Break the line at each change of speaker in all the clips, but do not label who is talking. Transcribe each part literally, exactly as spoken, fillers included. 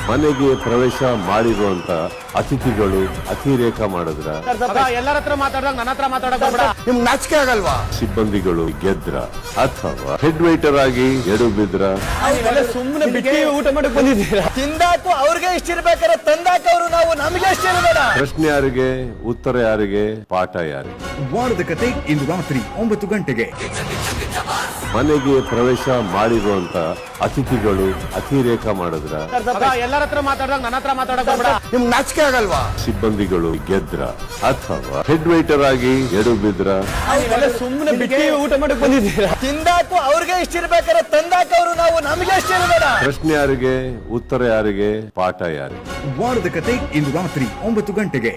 ಮನೆಗೆ ಪ್ರವೇಶ ಮಾಡಿರುವಂತ ಅತಿಥಿಗಳು ಅತಿರೇಕ ಮಾಡಿದ್ರ
ಎಲ್ಲರ ಹತ್ರ ಮಾತಾಡಿದಾಗ ನನ್ನ ಹತ್ರ ಮಾತಾಡಕ್ ಹೋಗ್ಬೇಡ.
ನಿಮ್ಗೆ ನಾಚಿಕೆ ಆಗಲ್ವಾ?
ಸಿಬ್ಬಂದಿಗಳು ಗೆದ್ರ ಅಥವಾ ಹೆಡ್ ವೈಟರ್ ಆಗಿ ಎಡು ಬಿದ್ರ
ಸುಮ್ಮನೆ ಬಿಟ್ಟು ಊಟ ಮಾಡಕ್ ಬಂದಿದ್ದೀರಾ?
ತಿಂದಾಕು ಅವ್ರಿಗೆ ಇಷ್ಟ ಇರ್ಬೇಕಾದ್ರೆ ತಂದಾಕ ಅವರು ನಾವು ನಮಗೆ ಇಷ್ಟ ಇರಬೇಡ.
ಪ್ರಶ್ನೆ ಯಾರಿಗೆ, ಉತ್ತರ ಯಾರಿಗೆ, ಪಾಠ ಯಾರಿಗೆ?
ವಾರದ ಕತೆ ಇಂದು ರಾತ್ರಿ ಒಂಬತ್ತು ಗಂಟೆಗೆ.
ಮನೆಗೆ ಪ್ರವೇಶ ಮಾಡಿರುವಂತ ಅತಿಥಿಗಳು ಅತಿರೇಕ ಮಾಡಿದ್ರ
ಎಲ್ಲರ ಹತ್ರ ಮಾತಾಡಿದಾಗ ನನ್ನ ಹತ್ರ ಮಾತಾಡಕ್ ಹೋಗ್ಬೇಡ.
ನಿಮ್ಗೆ ನಾಚಿಕೆ ಆಗಲ್ವಾ?
ಸಿಬ್ಬಂದಿಗಳು ಗೆದ್ರ ಅಥವಾ ಹೆಡ್ ವೈಟರ್ ಆಗಿ ಎಡು ಬಿದ್ರ
ಸುಮ್ಮನೆ ಬಿಟ್ಟು ಊಟ ಮಾಡಕ್ ಬಂದಿದ್ದೀರಾ?
ತಿಂದಾಕು ಅವ್ರಿಗೆ ಇಷ್ಟ ಇರ್ಬೇಕಾದ್ರೆ ತಂದಾಕ ಅವರು ನಾವು ನಮಗೆ ಇಷ್ಟ ಇರಬೇಡ.
ಪ್ರಶ್ನೆ ಯಾರಿಗೆ, ಉತ್ತರ ಯಾರಿಗೆ, ಪಾಠ ಯಾರಿಗೆ?
ವಾರದ ಕತೆ ಇಂದು ರಾತ್ರಿ ಒಂಬತ್ತು ಗಂಟೆಗೆ.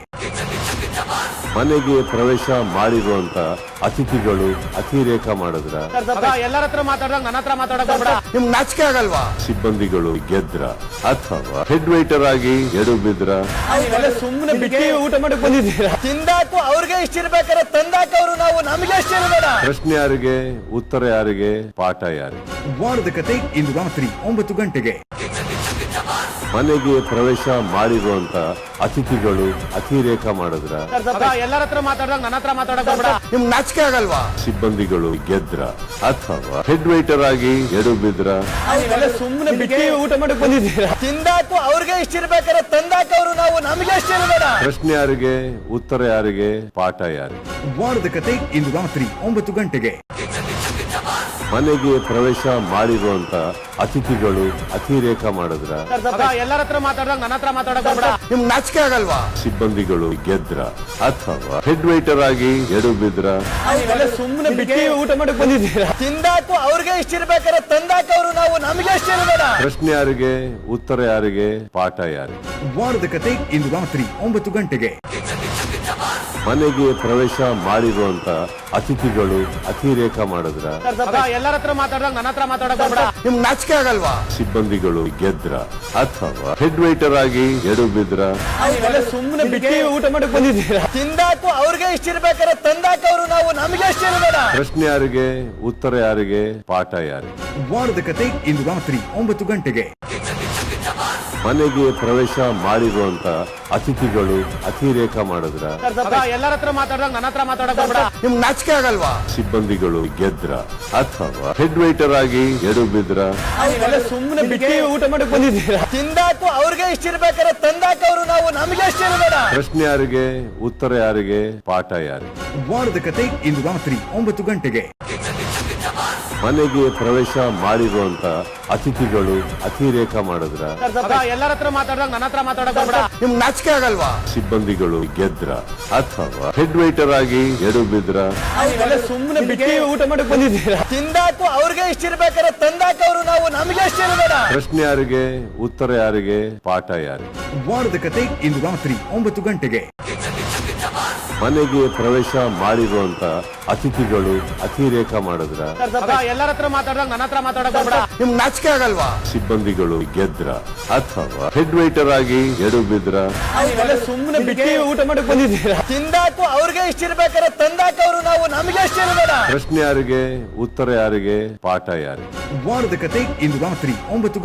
ಮನೆಗೆ ಪ್ರವೇಶ ಮಾಡಿರುವಂತ ಅತಿಥಿಗಳು ಅತಿರೇಕ ಮಾಡಿದ್ರ
ಎಲ್ಲರ ಹತ್ರ ಮಾತಾಡಿದಾಗ ನನ್ನ ಹತ್ರ ಮಾತಾಡಕ್ ಹೋಗ್ಬೇಡ.
ನಿಮ್ಗೆ ನಾಚಿಕೆ ಆಗಲ್ವಾ?
ಸಿಬ್ಬಂದಿಗಳು ಗೆದ್ರ ಅಥವಾ ಹೆಡ್ ವೈಟರ್ ಆಗಿ ಎಡು ಬಿದ್ರ
ಸುಮ್ಮನೆ ಬಿಟ್ಟು ಊಟ ಮಾಡಕ್ ಬಂದಿದ್ದೀರಾ?
ತಿಂದಾಕು ಅವ್ರಿಗೆ ಇಷ್ಟ ಇರ್ಬೇಕಾದ್ರೆ ತಂದಾಕ ಅವರು ನಾವು ನಮಗೆ ಇಷ್ಟ ಇರಬೇಡ.
ಪ್ರಶ್ನೆ ಯಾರಿಗೆ, ಉತ್ತರ ಯಾರಿಗೆ, ಪಾಠ ಯಾರಿಗೆ?
ವಾರದ ಕತೆ ಇಂದು ರಾತ್ರಿ ಒಂಬತ್ತು ಗಂಟೆಗೆ.
ಮನೆಗೆ ಪ್ರವೇಶ ಮಾಡಿರುವಂತ ಅತಿಥಿಗಳು ಅತಿರೇಕ ಮಾಡಿದ್ರ
ಎಲ್ಲರ ಹತ್ರ ಮಾತಾಡಿದಾಗ ನನ್ನ ಹತ್ರ ಮಾತಾಡಕ್ ಹೋಗ್ಬೇಡ.
ನಿಮ್ಗೆ ನಾಚಿಕೆ ಆಗಲ್ವಾ?
ಸಿಬ್ಬಂದಿಗಳು ಗೆದ್ರ ಅಥವಾ ಹೆಡ್ ವೈಟರ್ ಆಗಿ ಎಡು ಬಿದ್ರ
ಸುಮ್ಮನೆ ಬಿಟ್ಟು ಊಟ ಮಾಡಕ್ ಬಂದಿದ್ದೀರಾ?
ತಿಂದಾಕು ಅವ್ರಿಗೆ ಇಷ್ಟ ಇರ್ಬೇಕಾದ್ರೆ ತಂದಾಕ ಅವರು ನಾವು ನಮಗೆ ಇಷ್ಟ ಇರಬೇಡ.
ಪ್ರಶ್ನೆ ಯಾರಿಗೆ, ಉತ್ತರ ಯಾರಿಗೆ, ಪಾಠ ಯಾರಿಗೆ?
ವಾರದ ಕತೆ ಇಂದು ರಾತ್ರಿ ಒಂಬತ್ತು ಗಂಟೆಗೆ.
ಮನೆಗೆ ಪ್ರವೇಶ ಮಾಡಿರುವಂತ ಅತಿಥಿಗಳು ಅತಿರೇಕ ಮಾಡಿದ್ರ
ಎಲ್ಲರ ಹತ್ರ ಮಾತಾಡಿದಾಗ ನನ್ನ ಹತ್ರ ಮಾತಾಡಕ್ ಹೋಗ್ಬೇಡ.
ನಿಮ್ಗೆ ನಾಚಿಕೆ ಆಗಲ್ವಾ?
ಸಿಬ್ಬಂದಿಗಳು ಗೆದ್ರ ಅಥವಾ ಹೆಡ್ ವೈಟರ್ ಆಗಿ ಎಡು ಬಿದ್ರ
ಸುಮ್ಮನೆ ಬಿಟ್ಟು ಊಟ ಮಾಡಕ್ ಬಂದಿದ್ದೀರಾ?
ತಿಂದಾಕು ಅವ್ರಿಗೆ ಇಷ್ಟ ಇರ್ಬೇಕಾದ್ರೆ ತಂದಾಕ ಅವರು ನಾವು ನಮಗೆ ಇಷ್ಟ ಇರಬೇಡ.
ಪ್ರಶ್ನೆ ಯಾರಿಗೆ, ಉತ್ತರ ಯಾರಿಗೆ, ಪಾಠ ಯಾರಿಗೆ?
ವಾರದ ಕತೆ ಇಂದು ರಾತ್ರಿ ಒಂಬತ್ತು ಗಂಟೆಗೆ.
ಮನೆಗೆ ಪ್ರವೇಶ ಮಾಡಿರುವಂತ ಅತಿಥಿಗಳು ಅತಿರೇಕ ಮಾಡಿದ್ರ
ಎಲ್ಲರ ಹತ್ರ ಮಾತಾಡಿದಾಗ ನನ್ನ ಹತ್ರ ಮಾತಾಡಕ್ ಹೋಗ್ಬೇಡ.
ನಿಮ್ಗೆ ನಾಚಿಕೆ ಆಗಲ್ವಾ?
ಸಿಬ್ಬಂದಿಗಳು ಗೆದ್ರ ಅಥವಾ ಹೆಡ್ ವೈಟರ್ ಆಗಿ ಎಡು ಬಿದ್ರ
ಸುಮ್ಮನೆ ಬಿಟ್ಟು ಊಟ ಮಾಡಕ್ ಬಂದಿದ್ದೀರಾ?
ತಿಂದಾಕು ಅವ್ರಿಗೆ ಇಷ್ಟ ಇರ್ಬೇಕಾದ್ರೆ ತಂದಾಕ ಅವರು ನಾವು ನಮಗೆ ಇಷ್ಟ ಇರಬೇಡ.
ಪ್ರಶ್ನೆ ಯಾರಿಗೆ, ಉತ್ತರ ಯಾರಿಗೆ, ಪಾಠ ಯಾರಿಗೆ?
ವಾರದ ಕತೆ ಇಂದು ರಾತ್ರಿ ಒಂಬತ್ತು ಗಂಟೆಗೆ.
ಮನೆಗೆ ಪ್ರವೇಶ ಮಾಡಿರುವಂತ ಅತಿಥಿಗಳು ಅತಿರೇಕ ಮಾಡಿದ್ರ
ಎಲ್ಲರ ಹತ್ರ ಮಾತಾಡಿದಾಗ ನನ್ನ ಹತ್ರ ಮಾತಾಡಕ್ ಹೋಗ್ಬೇಡ.
ನಿಮ್ಗೆ ನಾಚಿಕೆ ಆಗಲ್ವಾ?
ಸಿಬ್ಬಂದಿಗಳು ಗೆದ್ರ ಅಥವಾ ಹೆಡ್ ವೈಟರ್ ಆಗಿ ಎಡು ಬಿದ್ರ
ಸುಮ್ಮನೆ ಬಿಟ್ಟು ಊಟ ಮಾಡಕ್ ಬಂದಿದ್ದೀರಾ?
ತಿಂದಾಕು ಅವ್ರಿಗೆ ಇಷ್ಟ ಇರ್ಬೇಕಾದ್ರೆ ತಂದಾಕ ಅವರು ನಾವು ನಮಗೆ ಇಷ್ಟ ಇರಬೇಡ.
ಪ್ರಶ್ನೆ ಯಾರಿಗೆ, ಉತ್ತರ ಯಾರಿಗೆ, ಪಾಠ ಯಾರಿಗೆ?
ವಾರದ ಕತೆ ಇಂದು ರಾತ್ರಿ ಒಂಬತ್ತು ಗಂಟೆಗೆ.
ಮನೆಗೆ ಪ್ರವೇಶ ಮಾಡಿರುವಂತ ಅತಿಥಿಗಳು ಅತಿರೇಕ ಮಾಡಿದ್ರ
ಎಲ್ಲರ ಹತ್ರ ಮಾತಾಡಿದಾಗ ನನ್ನ ಹತ್ರ ಮಾತಾಡಕ್ ಹೋಗ್ಬೇಡ.
ನಿಮ್ಗೆ ನಾಚಿಕೆ ಆಗಲ್ವಾ?
ಸಿಬ್ಬಂದಿಗಳು ಗೆದ್ರ ಅಥವಾ ಹೆಡ್ ವೈಟರ್ ಆಗಿ ಎಡು ಬಿದ್ರ
ಸುಮ್ಮನೆ ಬಿಟ್ಟು ಊಟ ಮಾಡಕ್ ಬಂದಿದ್ದೀರಾ?
ತಿಂದಾಕು ಅವ್ರಿಗೆ ಇಷ್ಟ ಇರ್ಬೇಕಾದ್ರೆ ತಂದಾಕ ಅವರು ನಾವು ನಮಗೆ ಇಷ್ಟ ಇರಬೇಡ.
ಪ್ರಶ್ನೆ ಯಾರಿಗೆ, ಉತ್ತರ ಯಾರಿಗೆ, ಪಾಠ ಯಾರಿಗೆ?
ವಾರದ ಕತೆ ಇಂದು ರಾತ್ರಿ ಒಂಬತ್ತು ಗಂಟೆಗೆ.
ಮನೆಗೆ ಪ್ರವೇಶ ಮಾಡಿರುವಂತ ಅತಿಥಿಗಳು ಅತಿರೇಕ ಮಾಡಿದ್ರ
ಎಲ್ಲರ ಹತ್ರ ಮಾತಾಡಿದಾಗ ನನ್ನ ಹತ್ರ ಮಾತಾಡಕ್ ಹೋಗ್ಬೇಡ.
ನಿಮ್ಗೆ ನಾಚಿಕೆ ಆಗಲ್ವಾ?
ಸಿಬ್ಬಂದಿಗಳು ಗೆದ್ರ ಅಥವಾ ಹೆಡ್ ವೈಟರ್ ಆಗಿ ಎಡು ಬಿದ್ರ
ಸುಮ್ಮನೆ ಬಿಟ್ಟು ಊಟ ಮಾಡಕ್ ಬಂದಿದ್ದೀರಾ?
ತಿಂದಾಕು ಅವ್ರಿಗೆ ಇಷ್ಟ ಇರ್ಬೇಕಾದ್ರೆ ತಂದಾಕ ಅವರು ನಾವು ನಮಗೆ ಇಷ್ಟ ಇರಬೇಡ.
ಪ್ರಶ್ನೆ ಯಾರಿಗೆ, ಉತ್ತರ ಯಾರಿಗೆ, ಪಾಠ ಯಾರಿಗೆ?
ವಾರದ ಕತೆ ಇಂದು ರಾತ್ರಿ ಒಂಬತ್ತು